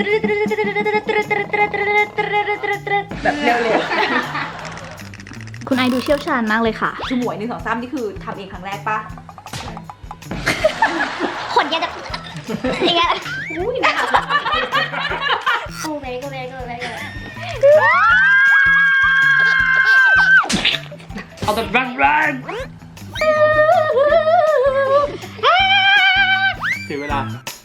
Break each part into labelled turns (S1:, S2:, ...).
S1: แบบเร็ว
S2: ๆคุณไอดูเชี่ยวชาญมากเลยค่ะ
S1: คือหมวย1 2 3นี่คือทำเองครั้งแรกปะ
S3: ขนแกจะอย่างเงี้ยอุ้ยนะโอ้เบรก
S1: เอาแบบแรง
S4: เสียเวลา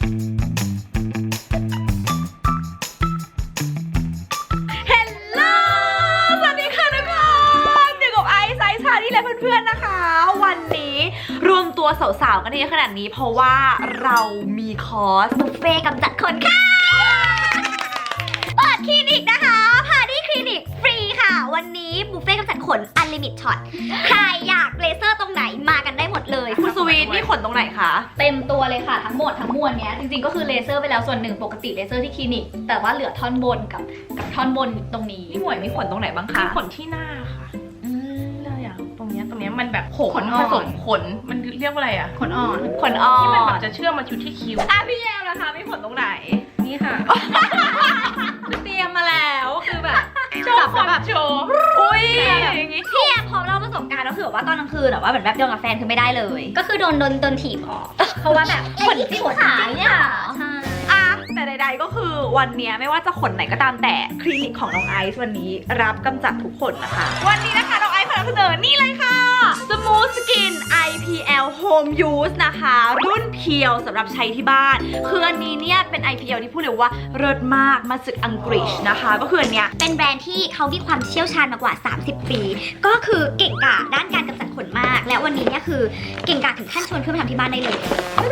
S1: สวัสดีค่ะทุกคนอยู่กับไอซ์ชาที่และเพื่อนๆนะคะวันนี้รวมตัวสาวๆกันเยอะขนาดนี้เพราะว่าเรามีคอร์สบุฟเฟ่กำจัดขนค่ะเปิดคลินิกนะคะพาดี้คลินิกฟรีค่ะวันนี้บุฟเฟ่กำจัดขนอันลิมิตช็อตใครอยากเลเซอร์ตรงไหนมากันได้หมดเลยคุณสวีทนี่ขนตรงไหนคะ
S2: เต็มตัวเลยค่ะทั้งหมดทั้งมวลเนี้ยจริงๆก็คือเลเซอร์ไปแล้วส่วนหนึ่งปกติเลเซอร์ที่คลินิกแต่ว่าเหลือท่อนบนกับท่อนบนตรงนี้
S1: พี่หมวยมีขนตรงไหนบ้างคะ
S5: ขนที่หน้าค่ะเลยอ่ะตรงเนี้ยมันแบบขน
S1: อ่อน
S5: ผสมขนมันเรียกว่าอะไรอ่ะ
S2: ขนอ่อน
S1: ขนอ่อน
S5: ที่มันแบบจะเชื่อมมาอยู่ที่คิ้ว
S1: พี่แยมนะคะมีขนตรงไหน
S5: นี่ค่ะ
S1: เตรียมมาแล้วคือแบบ
S5: โชว์ความโชว์
S1: อุ้ยอย่างงี้
S3: พี่แอมพร้อมเล่าประสบการณ์ก็คือว่าตอนกลางคืนแบบว่าเหมือนแบบโดนกับแฟนคือไม่ได้เลย ก็คือโดนถีบออกเพราะว่าแบบขนที่ขาเนี่ยใช่
S1: อ่ะแต่ใดๆก็คือวันนี้ไม่ว่าจะขนไหนก็ตามแต่คลินิกของน้องไอซ์วันนี้รับกำจัดทุกขนนะคะ วันนี้นะคะน้องไอซ์ขอนำเสนอนี่เลยค่ะ Smooth Skin IPL Home Use นะคะรุ่นเพียวสำหรับใช้ที่บ้านคืออันนี้เนี่ยเป็น IPL ที่พูดเลยว่าเลิศมากมาจากอังกฤษนะคะก็คืออันเนี้ย
S3: เป็นแบรนด์ที่เขามีความเชี่ยวชาญมากว่า30 ปีก็คือเก่งกาจด้านการกำจัดขนมากและวันนี้เนี่ยคือเก่งกาจถึงขั้นชวนเพื่อนมาทำที่บ้านได้เลย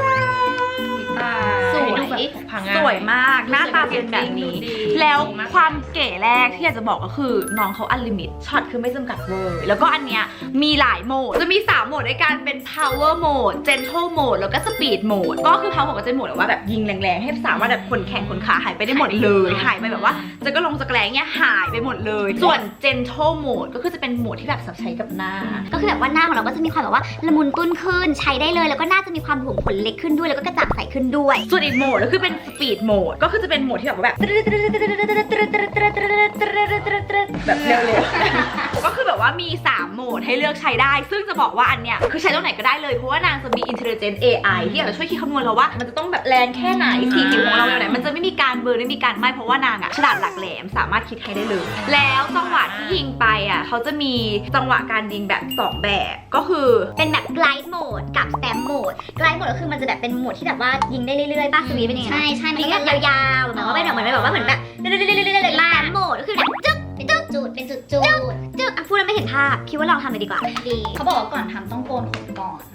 S1: สวยมากหน้าตาเป็นแบบนี้แล้วความเก๋แรกที่อยากจะบอกก็คือน้องเขาอันลิมิตช็อตคือไม่จำกัดเวอร์แล้วก็อันเนี้ยมีหลายโหมดจะมี3โหมดด้วยกันเป็น power mode gentle mode แล้วก็ speed mode ก็คือ power mode ก็จะโหมดว่าแบบยิงแรงๆให้สามารถแบบขนแขนขนขาหายไปได้หมดเลยหายไปแบบว่าจะก็ลงจะแกล้งเนี้ยหายไปหมดเลยส่วน gentle mode ก็คือจะเป็นโหมดที่แบบสำหรับใช้กับหน้า
S3: ก็คือแบบว่าหน้าของเราก็จะมีความแบบว่าละมุนตุ้นขึ้นใช้ได้เลยแล้วก็น่าจะมีความหลวมขนเล็กขึ้นด้วยแล้วก็กระจ่างใสขึ้นด้วย
S1: ส่วนอีกโหมดก็คือเป็น speed mode ก็คือจะเป็นโหมดที่แบบเร็วๆก็คือแบบว่ามี3โหมดให้เลือกใช้ได้ซึ่งจะบอกว่าอันเนี้ยคือใช้ตรงไหนก็ได้เลยเพราะว่านางจะมี intelligent AI ที่อาจจะช่วยคิดคำนวณเราว่ามันจะต้องแบบแรงแค่ไหนสีผิวของเราแบบไหนมันจะไม่มีการเบลอไม่มีการไหม้เพราะว่านางอะฉลาดหลักแหลมสามารถคิดให้ได้เลยแล้วจังหวะที่ยิงไปอะเขาจะมีจังหวะการยิงแบบ2แบบก็คือ
S3: เป็นแบบ glide mode กับ stamp mode glide mode ก็คือมันจะแบบเป็นโหมดที่แบบว่ายิงได้เรื่อยๆป้าสวีเป็นยังไงใช่มันก็ยาวๆเหมือนว่าเป็นแบบเหมือนแบบstamp mode ก็คือแบบจึ๊กจุดเป็นจุดพูดแล้วไม่เห็นภาพคิดว่าลองทำเลยดีกว่า
S2: ดีเขาบอกว่าก่อนทำต้องโกนขนก่อน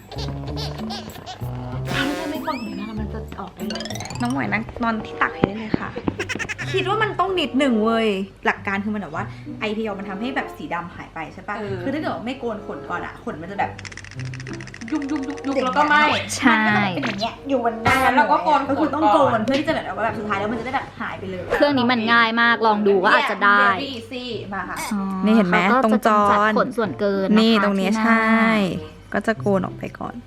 S1: ถ้าไม่โกนขนหน้ามันจะออกได้เลยน้องหมวยนั่งนอนที่ตักให้ได้เลยค่ะคิดว่ามันต้องนิดหนึ่งเว้ยหลักการคือมันแบบว่า IPL มันทำให้แบบสีดำหายไปใช่ปะคือถ้าเกิดไม่โกนขนก่อนอะขนมันจะแบบยุบแล้วก็ไม่
S2: ใช่
S1: เป็นอย่างเงี้ยอยู่บนหน้าแล้วก็โกนก็คือต้องโกนเพื่อที่จะแบบสุดท้ายแล้วมันจะได้แบบหายไปเลย
S2: เครื่องนี้มันง่ายมากลองดูว่าอาจจะได้
S1: มาค่ะนี่เห็นไหมตรงจอ
S2: ขนส่วนเกิน
S1: นี่ตรงนี้ใช่ก็จะโกนออกไปก่อน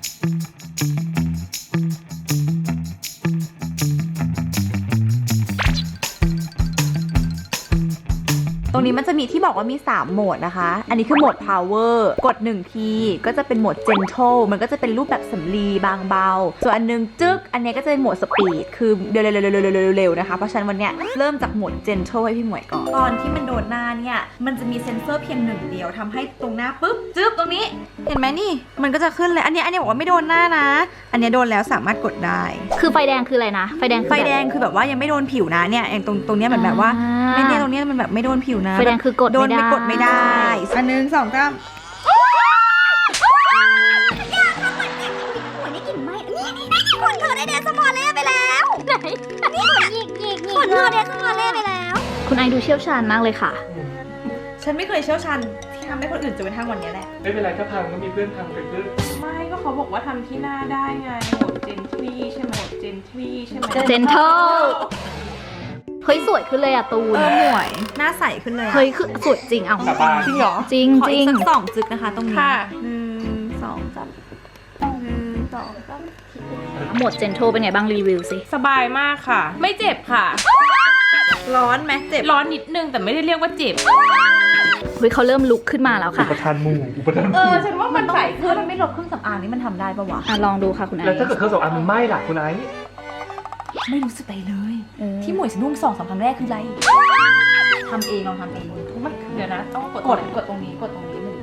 S1: ตรงนี้มันจะมีที่บอกว่ามี3โหมดนะคะอันนี้คือโหมด power กด1ทีก็จะเป็นโหมด gentle มันก็จะเป็นรูปแบบสำลีบางเบาส่วนอันนึงจึ๊กอันนี้ก็จะเป็นโหมด speed คือเร็วนะคะเพราะฉะนั้นวันเนี้ยเริ่มจากโหมด gentle ให้พี่หมวยก่อนตอนที่มันโดนหน้าเนี่ยมันจะมีเซ็นเซอร์เพียง1เดียวทำให้ตรงหน้าปุ๊บจึ๊บตรงนี้เห็นไหมนี่มันก็จะขึ้นเลยอันนี้บอกว่าไม่โดนหน้านะอันนี้โดนแล้วสามารถกดได้
S2: คือไฟแดงคืออะไรนะไฟแดง
S1: คือแบบว่ายังไม่โดนผิวนะเนี่ยอย่างตรงเนี้ยเหมือนแบบว่าไม่เนี่ยตรงเนี้ยมันแบบไม่โดนผิว
S2: ไฟแดงคือกด
S1: ไม่ได้อันนึง2 3
S3: หัวนี่กลิ่นไหมนี่ขนเธอได้เดสมอลเล่ไปแล้วไหนนี่ขนเธอเดสมอลเล่ไปแล้ว
S2: คุณไอดูเชี่ยวชาญมากเลยค่ะ
S1: ฉันไม่เคยเชี่ยวชาญที่ทำให้คนอื่นจนกระทั่งวันนี้แหละ
S4: ไม่เป็นไรถ้าพังก็มีเพื่อนทำเป็นเพื่อน
S5: ไม่ก็เขาบอกว่าทำที่หน้าได้ไงโหมดเจนทรีใช่ไหมโหมดเจนทรีใช่ไหม
S2: เจนเทลเฮ้ยสวยขึ้นเลยอะตูน
S1: หมวยหน้าใสขึ้นเลย
S2: เฮ้ยคือสวยจริงเอา
S1: จริงเหรอ
S2: จริง
S1: ขออีกสัก2จึกนะคะตรงนี้1 2 3 1 2 3
S2: โหมด gentle เป็นไงบ้างรีวิวสิ
S5: สบายมากค่ะ ไม่เจ็บค่ะ
S1: ร้อนไหมเจ็บ
S5: ร้อนนิดนึงแต่ไม่ได้เรียกว่าเจ็บ
S2: เฮ้ยเขาเริ่มลุกขึ้นมาแล้ว
S4: อุ
S2: ค่ะ
S4: ปทานหมู่อุปทานห
S5: เอ
S4: มู่
S5: อ ฉันว่ามันใส่
S1: เพื่อมันไม่ลดเครื่องสำอางนี่มันทำได้ปะวะ
S2: ลองดูค่ะคุณไอ
S4: แล้วถ้าเกิดเครื่องสำอางมันไหม้ล่ะคุณไอซ์
S1: ไม่รู้สึกอะไรเลย
S2: เออ
S1: ที่หมวยสนุ่ม2-3ครั้งแรกคืออะไรทำเองลองทำเอง
S5: มันเดี๋ยวนะ ต้องกด
S1: กดตรงนี้กดตรงนี้หนึ่ง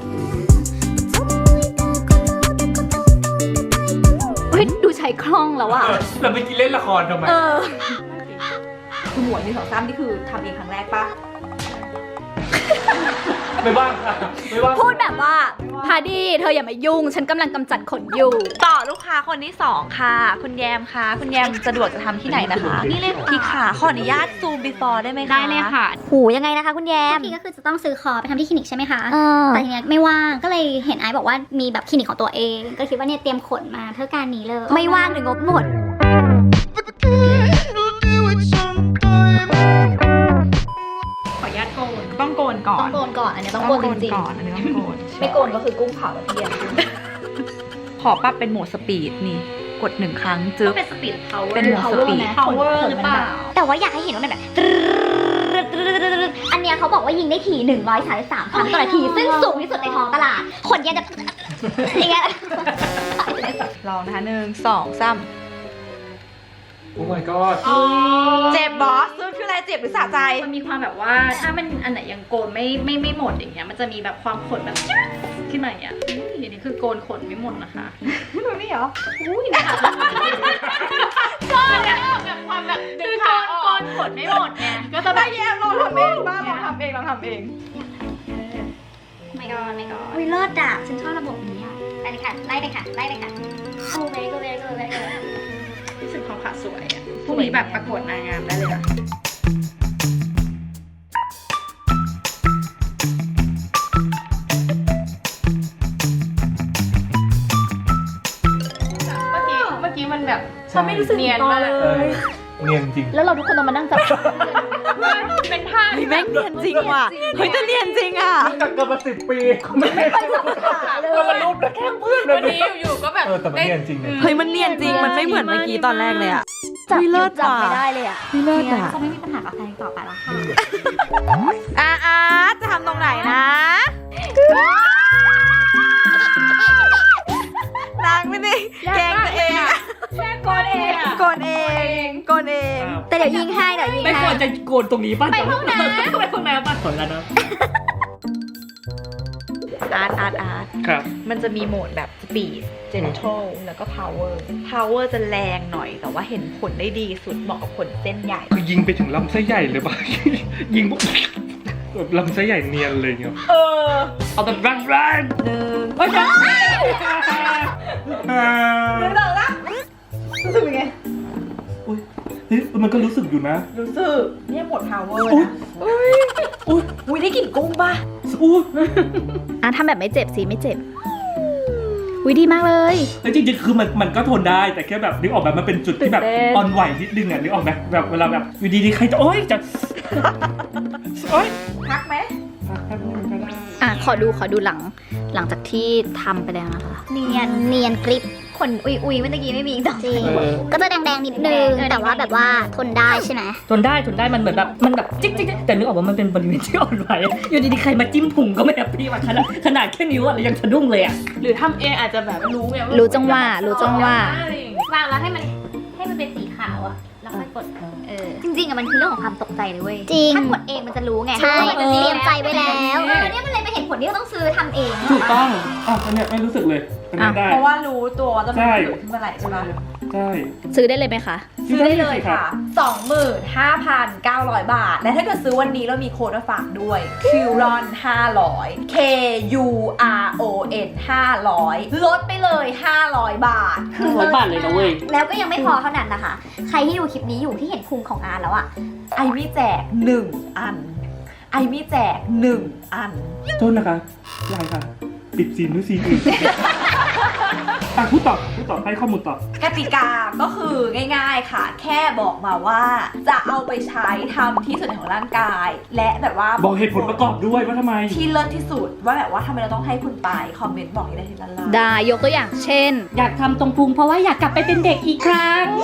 S2: เฮ้ยดูใช้คล่องแล้วอะ
S4: เราไม่กินเล่นละครทำไม
S1: คือหมวย1-2-3นี่คือทำเองครั้งแรกปะ
S4: ไม่ว่างค่ะไม่ว่าง
S2: พูดแบบว่าพาดี้เธออย่ามายุ่ง ฉันกำลังกำจัดขนอยู่
S1: ต่อลูกค้าคนที่2ค่ะ คุณแยมค่ะ คุณแยมสะดวกจะทำที่ไหนนะคะ
S3: นี่เลยค่ะ
S1: พี่ขาขออนุญาตซูม before ได้ไหมคะ
S2: ได้เลยค่ะ
S3: หูยังไงนะคะคุณแยมพี่ก็คือจะต้องซื้อคอไปทำที่คลินิกใช่ไหมคะแต่ทีเนี้ยไม่ว่างก็เลยเห็นไอซ์บอกว่ามีแบบคลินิกของตัวเอง ก็คิดว่าเนี่ยเตรียมขนมาเพื่อการนี้เลย ไม่ว่างหรืองบหมด
S5: ขออนุญาตโกน ต้องโกนก่อน
S2: ต้องโกนก่อน อันนี้ต้องโกนจริง
S5: ก่อน อันนี้ต้องโกน
S2: ๆ ไม่โกนก็คือกุ้งเผาแล้วเทียม
S1: ขอปรับเป็นโหมดสปีดนี่ กด1ครั้งจึ๊
S2: ก็
S1: บ
S2: เป็นสปีด power
S1: เป็นโหมด speed
S2: power หรือเปล่า
S3: แต่ว่าอยากให้เห็นว่ามันแบบอันเนี้ยเขาบอกว่ายิงได้ถี่133ครั้งต่อนาที ซึ่งสูงที่สุดในท้องตลาด ขนยังจะอย่างเงี้ย
S1: ลองนะคะ1-2-3
S4: โอ้ my god
S1: เจ็บบอสซึ่งคืออะไรเจ็บหรือสะใจ
S2: มันมีความแบบว่าถ้ามันอันไหนยังโกนไม่หมดอย่างเงี้ยมันจะมีแบบความขนแบบขึ้นมาอย่างเงี้ยอันนี้คือโกนขนไม่หมดนะคะ
S1: มันไม่เหรอ
S2: อุ้ยนะคะก็เนี่ยแบบความแบบดึงขาโกนขนไม่หมดไงก็จะแบ
S1: ได้
S2: บ
S1: แยมลองทำเองบ้างลองทำเองลองทำเอง
S2: ไม่ก่อน
S3: อุ้ยเลิศอ่ะฉันชอบระบบนี้อ่ะไปเลยค่ะ ไล่ไปค่ะ ไล่ไปค่ะโอ้ very good very good very good
S2: รู้สึกความขาสวยอ่ะพวกนี้แบบประกวดนางงามได้เลยอะ
S5: เมื่อกี้มันแบบ
S4: ฉัน
S1: ไม่รู้สึก
S5: เนียนมาก
S1: เล
S4: เออย เนียนจริง
S2: แล้วเราทุกคนต้องมานั่งจับ
S5: เป็นผ้า
S1: เฮ้ยแม่งเนียนจริงว่ะ เฮ้ยแต่เนียนจริงอ่ะ
S4: รู้จักกันมา10 ปีไม่เคยเรามารูปแล้วแค่เพื่อน
S5: วันนี้อยู่ๆก็แบบ
S4: แต่มันเนียนจริงเนี่ย
S1: เฮ้ยมันเนียนจริง มันไม่เหมือนเมื่อกี้ตอนแรกเลยอ่ะ
S3: จับ
S1: เลิศ
S3: จับ
S1: ว่ะ
S3: ไม่ได้เลยอ่ะ
S1: เลิศ
S3: เนี่ย
S1: อ่ะ
S3: จะไม่มีปัญหากับแฟนต่อไปแล้วค่ะ
S1: อาร์ตจะทำตรงไหนนะนางไม่ได้แกล้งตัวเองอะ
S5: แค่โกนเองอะ
S1: โกนเองโกนเอง
S3: แต่เดี๋ยวยิงให้เดี๋ยวยิง
S6: ไม่
S3: ให้
S6: ควรจะโกนตรงนี้ป่ะ
S2: ไปห้องน้ำ
S6: ไปห้องน้ำป่ะขอแล้วนะ
S1: อาร์ต
S4: ครับ
S1: มันจะมีโหมดแบบ speed gentle แล้วก็ power จะแรงหน่อย แต่ว่าเห็นผลได้ดีสุดเหมาะกับขนเส้นใหญ่
S4: คือยิงไปถึงลำไส้ใหญ่เลยป่ะ ยิงปุ๊บแบบลำไส้ใหญ่เนียนเลยเงี้ย
S6: เอาแบบแรง
S1: หนึ่ง
S6: ๆเฮ้ย
S1: รู้สึกเป็นไง
S4: อุ้ยเฮ้ยมันก็รู้สึกอยู่นะ
S1: รู้สึกเนี่ยโหมด power นะอุ้ยได้กลิ่นกุ้งป่ะ
S4: อุ้ย
S2: อ่ะทำแบบไม่เจ็บสิไม่เจ็บวิดีมากเลย
S6: แต่จริงๆคือมันก็ทนได้แต่แค่แบบนึกออกแบบมันเป็นจุดที่แบบ
S2: ตื่นเต้น
S6: อ่อนไหวนิดนึงอ่ะนึกออกไหมแบบเวลาแบบอยู่ดีๆใครจะโอ๊ยจะโอ๊ย
S1: พักไหม
S4: แป๊บนึงก็ได้
S2: อ่ะขอดูหลังจากที่ทำไปแล้วนะคะ
S3: เนียนกริบขนอุยเมื่อกี้ไม่มีอีกต่อจริงก็จะแดงๆนิดนึง แต่ว่าแบบว่าทนได้ใช่ไหม
S6: ทนได้มันเหมือนแบบมันแบบจิ๊กแต่นึกออกว่ามันเป็นบริเวณที่อ่อนไหวอยู่ดีๆใครมาจิ้มพุงก็ไม่แฮปปี้ว่ะขนาดแค่นิ้วอะยังสะดุ้งเลยอ่ะ
S5: หรือทำเองอาจจะแบบรู้ไง
S2: รู้จังหวะรู้จังหวะ
S5: อะไรอย่างเงี้ยว
S3: างแล้วให้มันเป็นสีขาวอะแล้วค่อยกดจริงๆอะมันคือเรื่องของความตกใจเลยเว้ยจริงถ้ากดเองมันจะรู้ไงใช่มันเตรียมใจไว้แล้วเนี่ยมันเลยเป็นเหตุผลที่เราต้องซื้อทำเอง
S4: ถูกต้องอ๋ออันเนี้ยไม่รู้สึกเลยอันนี้ได้
S1: เพราะว่ารู้ตัวว่าจะเป็น
S4: ใช่
S1: ผื่นขึ้นมาไหลใช่ไหม
S4: ใช่
S2: ซื้อได้เลยไหมคะ
S1: ซื้อได้เลยค่ะ 25,900 บาท และถ้าเกิดซื้อวันนี้เรามีโค้ดมาฝากด้วย Curon 500 KURON 500 ลดไปเลย 500 บาท
S6: 500 บาทเลยนะเว้ย
S3: แล้วก็ยังไม่พอเท่านั้นนะคะ ใครที่ดูคลิปนี้อยู่ที่เห็นพุงของอาร์แล้วอะ
S1: ไอมี่แจก 1 อัน ไอมี่แจก 1 อัน
S4: โทษนะคะลายค่ะ ปิดซีนด้วยซีนอื่นพูดต่อให้ข้อมูลต่อ
S1: กติกาก็คือง่ายๆค่ะ แค่บอกมาว่าจะเอาไปใช้ทำที่ส่วนไหนของร่างกาย และแบบว่า
S4: บอกเหตุผลประกอบด้วยว่าทำไม
S1: ที่เลิศที่สุดว่าแบบว่าทำไมเราต้องให้คุณไปคอมเมนต์บอกให้ได้ทีละล่าง
S2: ได้ยกตัวอย่างเช่น
S6: อยากทำตรงพุงเพราะว่าอยากกลับไปเป็นเด็กอีกครั้ง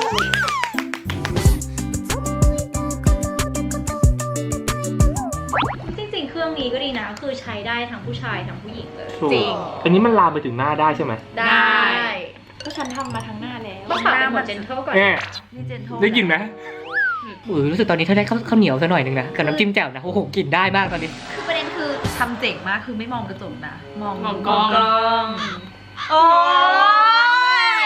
S2: จริงๆ เครื่องนี้ก็ดีนะ คือใช้ได้ทั้งผู้ชายทั้งผู้หญิงเลย
S1: จริง
S4: อันนี้มันลามไปถึงหน้าได้ใช่ไหม
S2: ได้
S1: ก็ฉันทำมาทั้งหน้าแล้ว
S2: ต้องฝากเป็นหมวดเจนเทลก่อน
S4: แน่
S1: นี่เจนโท
S4: ได้ยินไหม
S6: รู้สึกตอนนี้เธอได้ข้าวเหนียวซะหน่อยนึงนะกับน้ำจิ้มแจ่วนะโอ้โหกินได้มากตอนนี้
S1: คือประเด็นคือทำเจ๋งมากคือไม่มองกระจกนะมอง
S2: กล้อง
S1: โอ้ย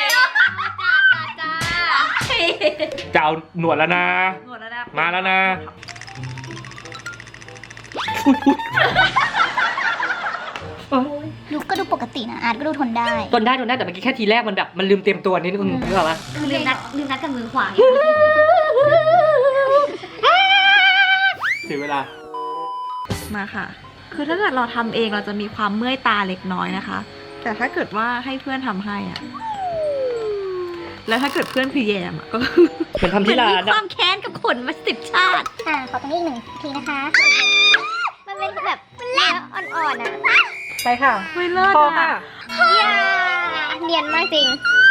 S4: จะเอาหนวดแล้วนะ
S1: หนวดแล้วนะ
S4: มาแล้วนะ
S3: ดูก็ดูปกตินะอาร์ตก็ดูทนได้
S6: ทนได้แต่เมื่อกี้แค่ทีแรกมันแบบมันลืมเตรียมตัวนิดนึงนึกออกปะ
S3: คือลืมนัดกับมือขวา
S4: เสียเวลา
S1: มาค่ะ คือถ้าเกิดเราทำเองเราจะมีความเมื่อยตาเล็กน้อยนะคะ แต่ถ้าเกิดว่าให้เพื่อนทำให้อะแล้วถ้าเกิดเพื่อนคือแยมอะก็
S6: เป็นทำที่ร้าน
S3: ค
S6: อะ
S3: วามแค้นกับขนมา10 ชาติขอตรงนี้อีก1 ทีนะคะ มันเป็นแบบเนื้ออ่อนๆอ่ะ
S6: ไปค่ะ
S1: ไม่เลิศ
S6: พอ
S1: อะ
S6: ค่ะ
S3: เนียนมากจริง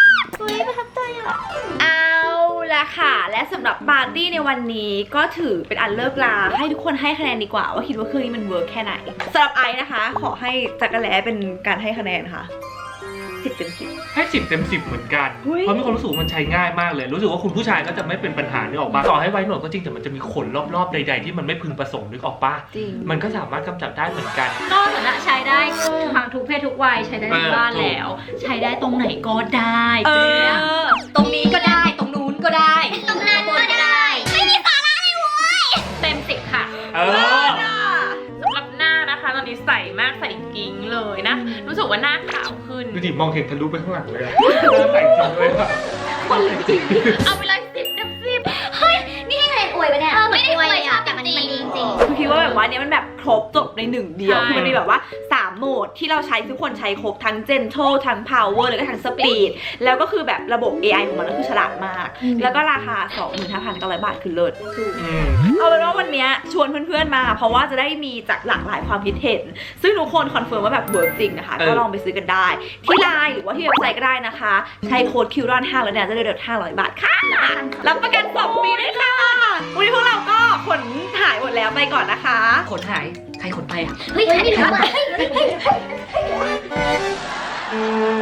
S1: เอาละค่ะ และสำหรับปาร์ตี้ในวันนี้ก็ถือเป็นอันเลิกลาให้ทุกคนให้คะแนนดีกว่าว่าคิดว่าเครื่องนี้มันเวิร์กแค่ไหนสำหรับไอซ์นะคะ ขอให้จักรแล้เป็นการให้คะแนนค่ะ10 เต็ม 10
S4: ให้10 เต็ม 10เหมือนกัน
S1: อุ๊ย
S4: เพราะมีความรู้สึกว่ามันใช้ง่ายมากเลย รู้สึกว่าคุณผู้ชายก็จะไม่เป็นปัญหานึกออกปะต่อให้ไว้หนวดก็จริงแต่มันจะมีขนรอบๆใดๆที่มันไม่พึงประสงค์นึกออกปะ
S1: จริง
S4: มันก็สามารถกำจัดได้เหมือนกัน
S2: ก็เหมือนอะใช้ได้ทั้งทุกเพศทุกวัยใช้ได้ในบ้านแล้ว ใช้ได้ตรงไหนก็ได้
S1: เออ
S2: ตรงนี้ก็ได้ตรงนู้นก็ได้
S3: ตรงนั้นก็ได้ ไม่มีสาระเลยเว้ย
S2: เต็ม10 ค่ะ
S4: เออ
S5: สำหรับหน้านะคะ ตอนนี้ใสมากใสกิ้งเลยนะ รู้สึกว่าหน้าขาวขึ้น
S4: ดูดิมองเห็นทะลุไปข้างหลังเลยอะใส่จริงเลยอะ
S5: เอาไปเลย10 เต็ม 10
S3: เฮ้ย นี่ให้คะแนนอวยปะเนี่ยไม่ได้อวยอ่ะแต่มันดีจริง
S1: คือคิดว่าแบบว่าเนี้ยมันแบบครบจบในหนึ่งเดียว
S5: ใช่
S1: คือมันมีแบบว่า3โหมดที่เราใช้ทุกคนใช้ครบทั้ง gentle ทั้ง power แล้วก็ทั้ง speed แล้วก็คือแบบระบบ AI ของมันก็คือฉลาดมาก แล้วก็ราคา 25,900 บาทคือเลิศ
S4: อืม
S1: เอาเป็นว่าวันเนี้ยชวนเพื่อนๆมา เพราะว่าจะได้มีจากหลากหลายความคิดเห็น ซึ่งทุกคนคอนเฟิร์มว่าแบบเวิร์กจริงนะคะ ก็ลองไปซื้อกันได้ ที่ไลน์หรือว่าที่เว็บไซต์ก็ได้นะคะ ใช้โค้ด QRON5 แล้วเนี่ยจะได้ลด500 บาทค่ะรับประกัน2 ปีด้วยค่ะวันนี้พวกเราก็ขนถ่ายหมดแล้วไปก่อนนะคะ
S6: ขนหายใครขนไปอะ
S3: ๆ เฮ้ยไม่รู้อ่ะ